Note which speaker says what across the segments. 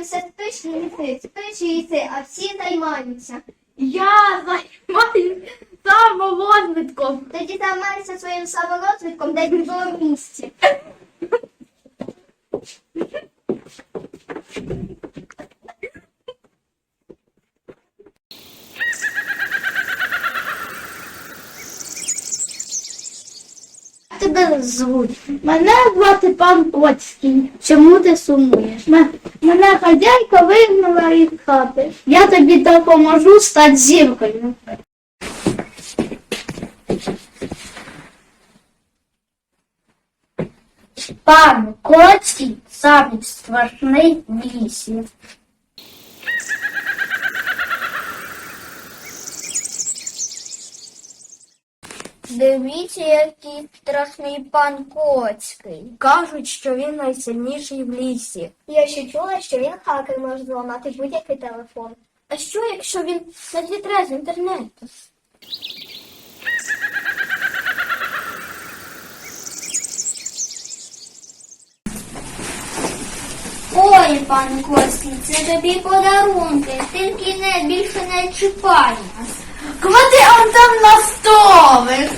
Speaker 1: займаєшся, спиш і їси, спиш і їси, а всі займаються.
Speaker 2: Я займаюся саморозвитком.
Speaker 1: Тоді займайся своїм саморозвитком десь в другому місці. Тебе звуть?
Speaker 2: Мене звати пан Коцький.
Speaker 1: Чому ти сумуєш?
Speaker 2: Мене хазяйка вигнала із хати.
Speaker 1: Я тобі допоможу стати зіркою.
Speaker 2: Пан Коцький самий страшний в лісі.
Speaker 1: Дивіться, який страшний пан Коцький.
Speaker 2: Кажуть, що він найсильніший в лісі.
Speaker 1: Я ще чула, що він хакер може зламати будь-який телефон.
Speaker 2: А що, якщо він надітре з інтернету?
Speaker 1: Ой, пан Коцький, це тобі подарунки, тільки більше не чіпай нас.
Speaker 2: Клади он там на столик.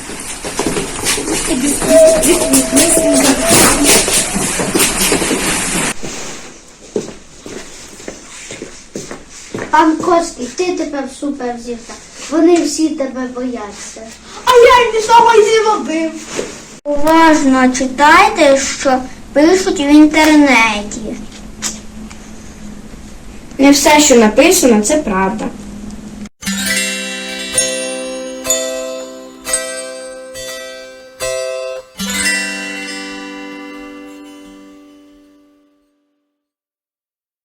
Speaker 1: Пан Коцький, ти тепер суперзірка. Вони всі тебе бояться.
Speaker 2: А я нічого й не робив.
Speaker 1: Уважно читайте, що пишуть в інтернеті.
Speaker 2: Не все, що написано, це правда.